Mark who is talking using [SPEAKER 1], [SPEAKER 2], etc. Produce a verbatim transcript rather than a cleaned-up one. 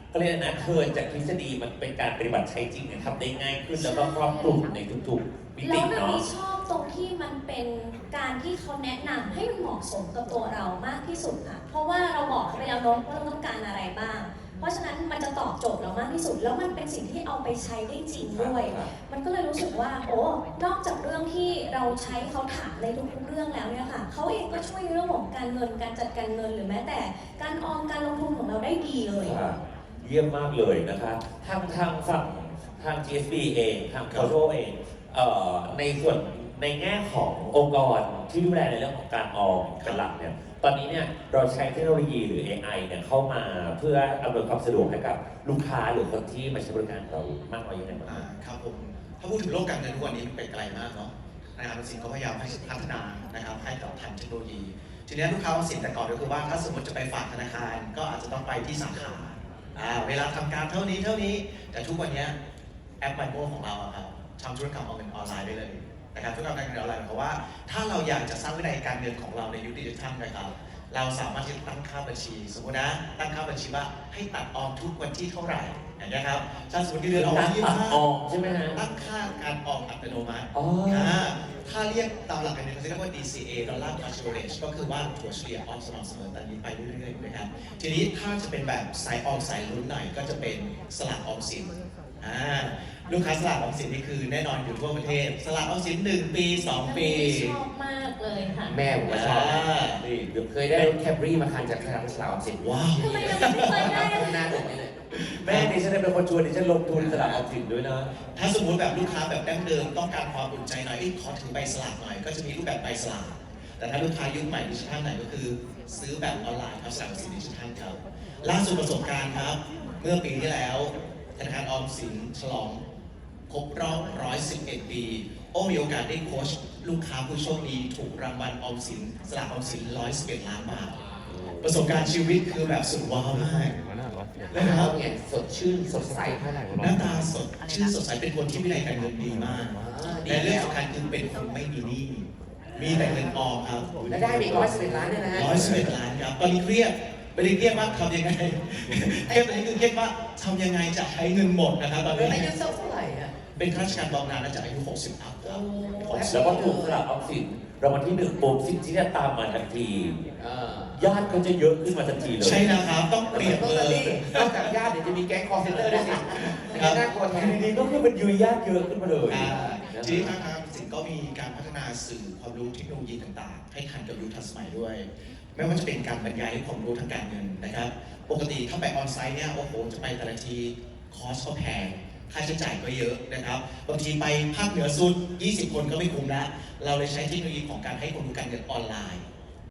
[SPEAKER 1] ก็เลยนะเทิร์นจากทฤษฎีมันเป็นการปฏิบัติใช้จริงเนี่ยทำได้ง่ายขึ้นแล้วก็ครอบคลุมในทุกๆมิติ
[SPEAKER 2] แล้วเรา
[SPEAKER 1] เนาะ
[SPEAKER 2] ชอบตรงที่มันเป็นการที่เขาแนะนำให้เหมาะสมกับตัวเรามากที่สุดค่ะเพราะว่าเราบอกเขาไปแล้วเนาะว่าเราต้องการอะไรบ้างเพราะฉะนั้นมันจะตอบโจทย์เรามากที่สุดแล้วมันเป็นสิ่งที่เอาไปใช้ได้จริงด้วยมันก็เลยรู้สึกว่าโอ้นอกจากเรื่องที่เราใช้เขาถามในทุกๆเรื่องแล้วเนี่ยค่ะเขาเองก็ช่วยเรื่องของการเงินการจัดการเงินหรือแม้แต่การออมการลงทุนของเราได้ดีเลย
[SPEAKER 1] เยี่ยมมากเลยนะคะทางทางฝั่งทาง จี เอส บี เองทางโคโชเองเอ่อในส่วนในแง่ขององค์กรที่ดูแลในเรื่องของการออมเป็นหลักเนี่ยตอนนี้เนี่ยเราใช้เทคโนโลยีหรือ เอ ไอ เนี่ยเข้ามาเพื่ออำนวยความสะดวกให้กับลูกค้าหรือคนที่มาใช้บริการเรามากน้อยยังไงบ้าง
[SPEAKER 3] ครับผมถ้าพูดถึงโลกการเงินทุกวันนี้มันไปไกลมากเนาะนะครับสินก็พยายามให้พัฒนานะครับให้กับทันเทคโนโลยีทีนี้ลูกค้าสินแต่ก่อนก็คือว่าถ้าสมมติจะไปฝากธนาคารก็อาจจะต้องไปที่สาขาเวลาทำการเท่านี้เท่านี้แต่ทุกวันนี้แอป MyMo ของเราครับทำธุรกรรมออนไลน์ได้เลยนะครับธุรกรรมการเงินออนไลน์เพราะว่าถ้าเราอยากจะสร้างวินัยการเงินของเราในยุคดิจิทัลนะครับเราสามารถที่จะตั้งค่าบัญชีสมมตินะตั้งค่าบัญชีว่าให้ตัดออมทุกวันที่เท่าไหร่อย่างนี้ครับถ้าสมมติเดือนออมยี่สิบห้า
[SPEAKER 1] ออมใช่ไหมฮะ
[SPEAKER 3] ตั้งค่าการออมอัตโนมัติถ้าเรียกตามหลักการเงินเขาเรียกว่า ดี ซี เอ Dollar Cost Average ก็คือว่าถัวเฉลี่ยออมสม่ำเสมอตอนนี้ไปเรื่อยๆนะครับทีนี้ถ้าจะเป็นแบบสายออมสายลุ้นหน่อยก็จะเป็นสลากออมสินลูกค้าสลากออมสินนี่คือแน่นอนอยู่ทั่วประเทศสลากออมสินหนึ่งปีสองปี
[SPEAKER 2] ชอบมากเลยค่ะ
[SPEAKER 4] แม่ผมก็ชอบนี่เคยได้รถแคบรี่มาคันจากสลากออมสิน
[SPEAKER 3] ว้าว
[SPEAKER 2] ทำไมเราไม่เคยได้
[SPEAKER 4] หน้าตรงนี้เลย
[SPEAKER 1] แม่ดิฉันเป็นคนชวนดิฉันลงทุนสลากออมสินด้วยนะ
[SPEAKER 3] ถ้าสมมติแบบลูกค้าแบบดั้งเดิมต้องการความอุ่นใจหน่อยขอถือใบสลากหน่อยก็จะมีรูปแบบใบสลากแต่ถ้าลูกค้ายุคใหม่ดิจิทัลไหนก็คือซื้อแบบออนไลน์ครับสลากออมสินดิจิทัลครับล่าสุดประสบการณ์ครับเมื่อปีที่แล้วธนาคารออมสินฉลองครบรอบหนึ่งร้อยสิบเอ็ดปีโอ้มีโอกาสได้โค้ชลูกค้าผู้โชคดีถูกรางวัลออมสินสลากออมสินหนึ่งร้อยสิบเอ็ดล้านบาทประสบการณ์ชีวิตคือแบบสุดว้าวมาก
[SPEAKER 4] นะครับเนี่ยสดชื่นสดใส
[SPEAKER 3] หน้าตาสดชื่นสดใสเป็นคนที่วินัยการเงินดีมากและเรื่องสำคัญคือเป็นคนไม่มีหนี้มีแต่เงินออมครับ
[SPEAKER 4] และได้ไปร้อยสิบเอ็ดล้านเนี่ยนะฮะ
[SPEAKER 3] ร้อยสิบเอ็ดล้านครับตอนนี้เครียดไม่ได้เครียดว่าทำยังไงเครียดตอนนี้คือเครียดว่าทำยังไงจะใช้เงินหมดนะครับตอนนี้
[SPEAKER 4] อายุเท่าไหร่อะ
[SPEAKER 3] เป็นข้าราชการบำนาญและจากอายุหกสิบอัพครับ
[SPEAKER 1] แล้วก็ถูกสลากออมสินรางวัลที่หนึ่งปุ๊บสิ่งที่จะตามมาทันทีญาติก็จะเยอะขึ้นมาทันทีเลย
[SPEAKER 3] ใช่นะครับต้องเปลี่ยนเลย
[SPEAKER 4] นอกจากญาติเดี๋ยวจะมีแก๊งคอร์เซนเตอร์ด้วยสิน่ากลัวแทน
[SPEAKER 1] ทีนี้ก็คือมันยืนญาติเยอะขึ้นมาเลย
[SPEAKER 3] ทีนี้ทางสินก็มีการพัฒนาสื่อความรู้เทคโนโลยีต่างๆให้ทันกับยุคทันสมัยด้วยไม่ว่าจะเป็นการบรรยายความรู้ทางการเงินนะครับปกติถ้าไปออนไซต์เนี่ยโอ้โหจะไปแต่ละทีคอสก็แพงค่าใช้จ่ายก็เยอะนะครับบางทีไปภาคเหนือสุดยี่สิบคนก็ไม่คุ้มแล้วเราเลยใช้เทคโนโลยีของการให้ความรู้การเงินออนไลน์